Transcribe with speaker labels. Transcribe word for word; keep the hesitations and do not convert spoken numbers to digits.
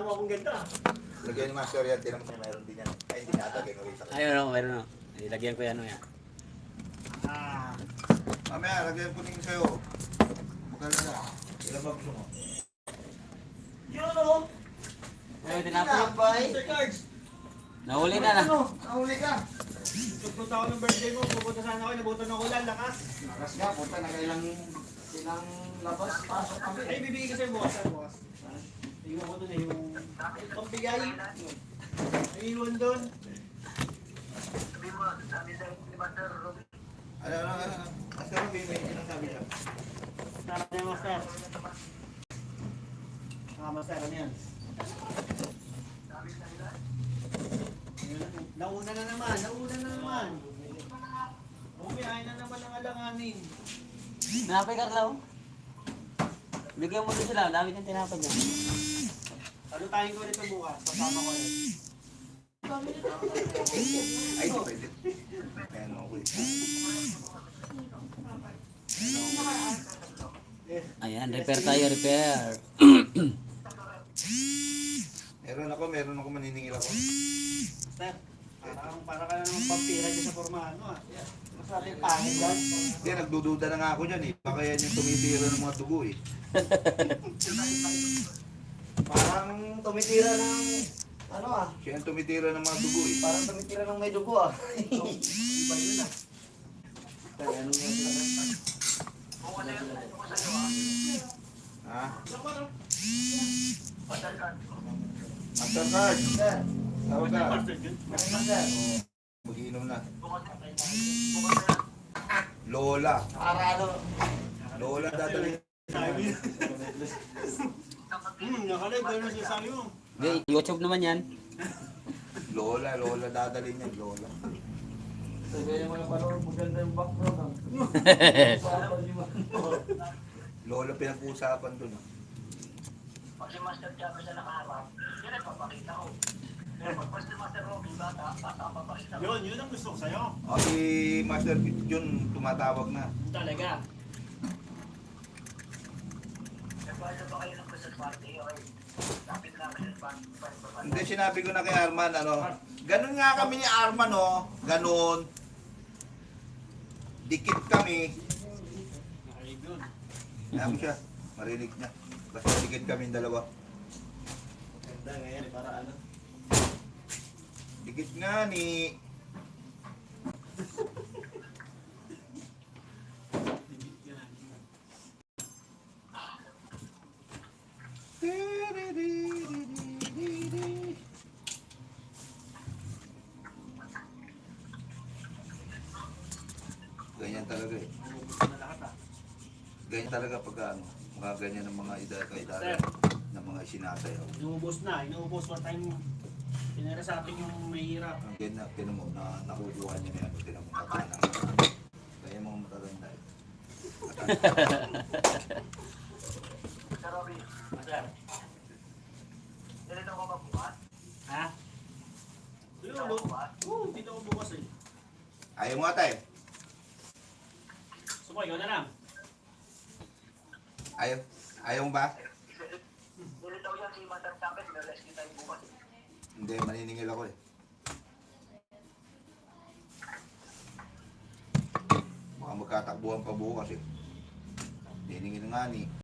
Speaker 1: mo akong ganda.
Speaker 2: Lagyan ni Master yan, tinan mo siya mayroon din yan. Ay, hindi nata, ginulit ako.
Speaker 3: Ayun o, meron o. Ilagyan ko yan o yan.
Speaker 1: Ah.
Speaker 2: Mamaya, lagyan ko din sa'yo. Magkala na. Ilan ba gusto mo?
Speaker 1: Yun o.
Speaker 3: Ayun, tinapay.
Speaker 1: Mister Cards.
Speaker 3: Nahuli na na.
Speaker 2: Ano? Nahuli ka.
Speaker 1: Pupunta ako ng birthday mo. Pupunta sana ako. Nabutan ako ulan. Lakas.
Speaker 2: Lakas nga, punta na kailang silang labas, pasok kami.
Speaker 1: Ay, bibigay ko sa'yo bukas. Saan bukas? Iwan ko doon eh. Yung pampigay. Iwan doon.
Speaker 2: Ano, ano, ano? Master, may may sinasabi siya.
Speaker 1: Sarap niya, Master. Ah, Master, ano yan? Nauna na naman, nauna na naman. Umiyahin na naman ang alanganin.
Speaker 3: Tinapay, Carla o. Bigyan mo din sila. Ang dami ng tinapay niya.
Speaker 1: Ano tayong ko nito bukas? Kasama ko yun.
Speaker 2: Ay, di pwede. Ayan, okay.
Speaker 3: Ayan, repair tayo, repair.
Speaker 2: Meron ako, meron ako maniningil ako.
Speaker 1: Master, parang para ka na naman pampira dyan sa formahan mo ah. Mas natin pangit dyan.
Speaker 2: Hindi, nagdududa na nga ako dyan eh. Baka yan yung tumitira ng mga dugo eh.
Speaker 4: Parang tumitira ng ano ah,
Speaker 2: Siya yung tumitira ng mga dugo eh.
Speaker 4: parang tumitira ng may dugo ah.
Speaker 1: Iba yun ah.
Speaker 4: Kaya ano yung
Speaker 2: Ha?
Speaker 1: Master card.
Speaker 2: Mastercard!
Speaker 4: Sir,
Speaker 2: Tawag ka.
Speaker 1: Master yun.
Speaker 4: ano sir?
Speaker 2: Mag-iinom na. Lola.
Speaker 4: Para ano?
Speaker 2: Lola dadali.
Speaker 1: Sabi. Hmm, nakalay. Gano'n siya sabi mo.
Speaker 3: Hindi, YouTube naman yan.
Speaker 2: Lola, Lola dadali niya. Lola.
Speaker 4: Sabi yung mga panood, maganda yung background ah.
Speaker 2: Lola pinag-uusapan dun ah.
Speaker 5: Pag si Master Chávez na nakaharap, yun ay papakita ko. Pero pag si Master Robby, bata, bata ang papakita ko.
Speaker 1: Yun, yun ang gusto ko sa'yo.
Speaker 2: O si Master Jun tumatawag na.
Speaker 1: Talaga.
Speaker 5: Nagpasa ba kayo ng Christmas party? Okay. Lapit na Christmas party.
Speaker 2: Hindi, sinabi ko na kay Arman, ano, ganun nga kami ni Arman, oh, ganun. Dikit kami.
Speaker 1: Nakalig yun.
Speaker 2: Alam mo siya, marinig niya. Basta dikit kami dalawa.
Speaker 1: Ganda ngayon, para ano.
Speaker 2: Dikit nga ni... Ganyan talaga eh.
Speaker 1: Na lahat ah.
Speaker 2: Ganyan talaga pagka ano, mga ganyan ng mga ida-kaidara
Speaker 1: Sir.
Speaker 2: ng mga sinasayaw.
Speaker 1: Inuubos na, inuubos pa tayong pinira sa atin yung mahirap.
Speaker 2: Ang ganyan, tinan mo, na nakukuha niya na yan, tinan mo, mata na. Kaya mga matatanda eh.
Speaker 5: Sir Robby,
Speaker 1: Master.
Speaker 5: nilito ko ba bukas?
Speaker 1: Ha? Yun, lo. Oo, dito ko bukas eh.
Speaker 2: Ayaw mo ata eh.
Speaker 1: Sumo, ikaw na lang.
Speaker 2: Ayaw, ayaw mo ba?
Speaker 5: Nilito yan si Master Chávez, may rescue tayo bukas.
Speaker 2: Hindi, maniningil ako eh. Baka magkatakbuhan pa bukas eh. Niningil nga ni.